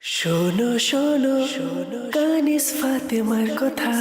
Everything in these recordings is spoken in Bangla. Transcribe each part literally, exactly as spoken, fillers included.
শোনো শোনো শোনো কানিস ফাতেমার কথা।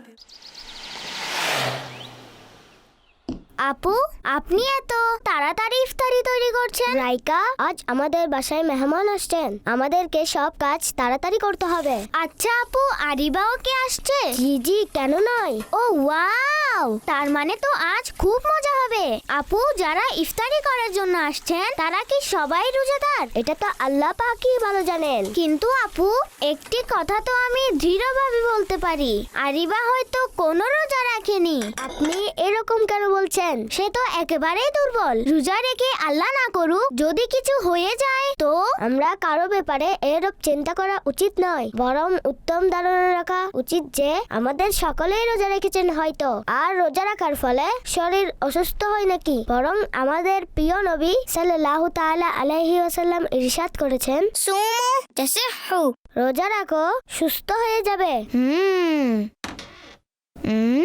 আপু, আপনি এত তাড়াতাড়ি ইফতারি তৈরি করছেন? রাইকা, আজ আমাদের বাসায় মেহমান আসছেন, আমাদেরকে সব কাজ তাড়াতাড়ি করতে হবে। আচ্ছা আপু, আরিবাও কে আসছে? জি জি, কেন নয়। ও ওয়াও, তার মানে তো আজ খুব মজা হবে। আপু, যারা ইফতারি করার জন্য আসছেন তারা কি সবাই রোজাদার? এটা তো আল্লাহ পাকই ভালো জানেন। কিন্তু আপু, একটি কথা তো আমি দৃঢ়ভাবে বলতে পারি, আরিবা হয়তো কোনো রোজা রাখেনি। আপনি এরকম কেন বলছেন? সে তো একেবারেই দুর্বল। রোজা রেখে আল্লাহ না করুক যদি কিছু হয়ে যায় তো? আমরা কারো ব্যাপারে এরকম চিন্তা করা উচিত নয়, বরং উত্তম ধারণা রাখা উচিত যে আমাদের সকলেই রোজা রেখেছেন হয়তো, আর রোজা রাখার ফলে শরীর অসুস্থ হয় নাকি, বরং আমাদের প্রিয় নবী সাল্লাল্লাহু তাআলা আলাইহি ওয়াসাল্লাম ইরশাদ করেছেন, সুমু তাসিহু, রোজা রাখো সুস্থ হয়ে যাবে। হুম হুম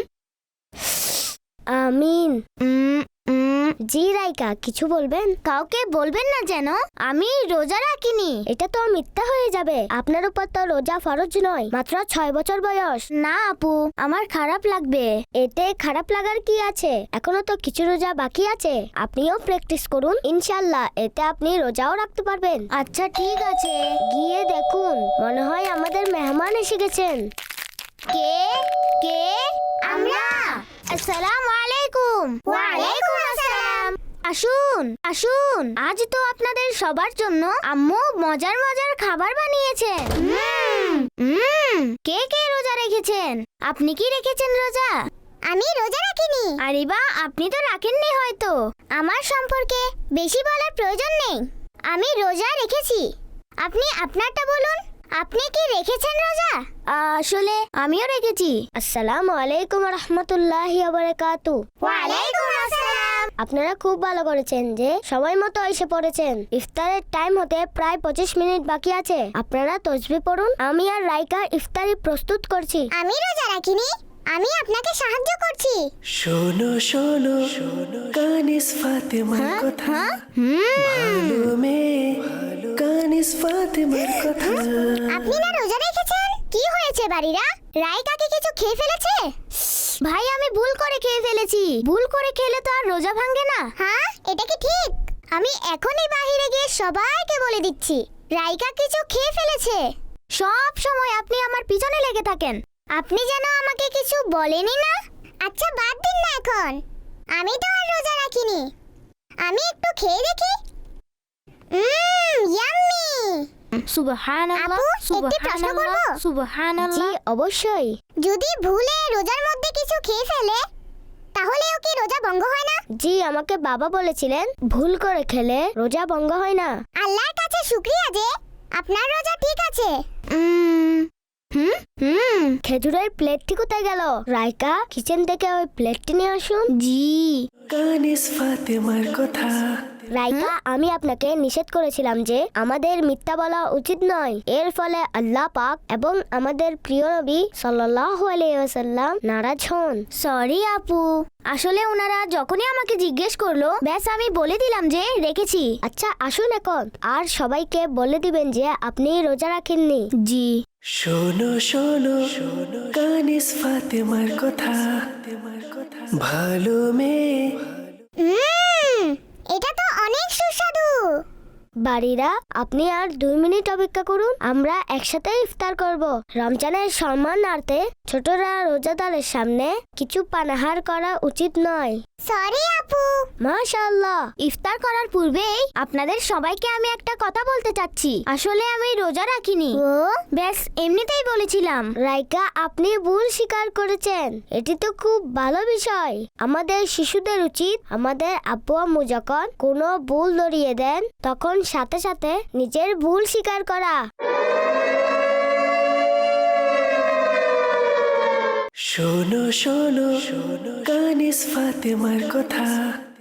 আমিন। উম, উম, জি রাইকা, কিছু বলবেন? কাউকে বলবেন না যেন আমি রোজা রাখিনি। এটা তো মিথ্যা হয়ে যাবে। আপনার উপর তো রোজা ফরজ নয়, মাত্র ছয় বছর বয়স। না আপু, আমার খারাপ লাগবে। এতে খারাপ লাগার কি আছে? এখনো তো কিছু রোজা বাকি আছে, আপনিও প্র্যাকটিস করুন, ইনশাআল্লাহ এতে আপনি রোজাও রাখতে পারবেন। আচ্ছা ঠিক আছে, গিয়ে দেখুন, মনে হয় আমাদের মেহমান এসে গেছেন। কে কে? আমরা। আসসালামু আলাইকুম। ওয়া আলাইকুম আসসালাম। আসুন আসুন, আজ তো আপনাদের সবার জন্য আম্মু মজার মজার খাবার বানিয়েছেন। হুম হুম কে কে রোজা রেখেছেন? আপনি কি রেখেছেন রোজা? আমি রোজা রাখিনি। আরে বা, আপনি তো রাখেননি হয়তো। আমার সম্পর্কে বেশি বলার প্রয়োজন নেই, আমি রোজা রেখেছি। আপনি আপনারটা বলুন, আপনি কি রেখেছেন রোজা? আসলে আমিও রেখেছি। আসসালামু আলাইকুম রাহমাতুল্লাহি ওয়া বারাকাতুহু। ওয়া আলাইকুম আসসালাম। আপনারা খুব ভালো করেছেন যে সময় মতো এসে পড়েছেন। ইফতারের টাইম হতে প্রায় পঁচিশ মিনিট বাকি আছে, আপনারা তাসবিহ পড়ুন। আমি আর রাইকা ইফতারি প্রস্তুত করছি। আমি রোজা রাখিনি, আমি আপনাকে সাহায্য করছি। শোনো শোনো শোনো কানিস ফাতেমার কথা। ভালো মেয়ে কানিস ফাতেমার কথা। আপনি না রোজা রেখেছেন? কি হয়েছে বাড়িরা? রাইকা কি কিছু খেয়ে ফেলেছে? ভাই, আমি ভুল করে খেয়ে ফেলেছি। ভুল করে খেলে তো আর রোজা ভাঙে না। হ্যাঁ, এটা কি ঠিক? আমি এখনই বাইরে গিয়ে সবাইকে বলে দিচ্ছি রাইকা কিছু খেয়ে ফেলেছে। সব সময় আপনি আমার পিছনে লেগে থাকেন, আপনি যেন আমাকে কিছু বলেনই না। আচ্ছা বাদ দিন না এখন, আমি তো আর রোজা রাখিনি, আমি একটু খেয়ে দেখি। Um yummy. সুবহানাল্লাহ, সুবহানাল্লাহ, সুবহানাল্লাহ। জি অবশ্যই। যদি ভুলে রোজার মধ্যে কিছু খেয়ে ফেলে তাহলেও কি রোজা ভঙ্গ হয় না? জি, আমাকে বাবা বলেছিলেন ভুল করে খেলে রোজা ভঙ্গ হয় না। আল্লাহর কাছে শুকরিয়া যে আপনার রোজা ঠিক আছে। উম হুম হুম খেজুরের প্লেটটি কোথায় গেল? রাইকা, কিচেন থেকে ওই প্লেটটি নিয়ে আসুন। জি। কানিস ফাতেমার কথা। রাইকা, আমি আপনাকে নিষেধ করেছিলাম যে আমাদের মিথ্যা বলা উচিত নয়, এর ফলে আল্লাহ পাক এবং আমাদের প্রিয় নবী সাল্লাল্লাহু আলাইহি ওয়াসাল্লাম নারাজ হন। সরি আপু, আসলে ওনারা যখনই আমাকে জিজ্ঞেস করলো ব্যাস আমি বলে দিলাম যে রেখেছি। আচ্ছা আসুন এখন, আর সবাইকে বলে দিবেন যে আপনি রোজা রাখেননি। জি। শোনো শোনো শোনো কানিস ফাতেমার কথা। ভালো মেয়ে। উম, এটা তো অনেক সুস্বাদু। বাড়িরা, আপনি আর দুই মিনিট অপেক্ষা করুন, আমরা একসাথে ইফতার করব। রমজানের সম্মানার্থে ছোটরা রোজাদারের সামনে কিছু পানাহার করা উচিত নয়। সরি আপু। মাশাআল্লাহ। ইফতার করার পূর্বেই আপনাদের সবাইকে আমি একটা কথা বলতে চাচ্ছি, আসলে আমি রোজা রাখিনি। ও ব্যাস এমনিতেই বলেছিলাম। রাইকা, আপনি ভুল স্বীকার করেছেন, এটি তো খুব ভালো বিষয়। আমাদের শিশুদের উচিত আমাদের আব্বু আম্মু যখন কোনো ভুল ধরিয়ে দেন তখন সাথে সাথে নিজের ভুল স্বীকার করা। শোনো শোনো শোনো কানিস ফাতেমার কথা।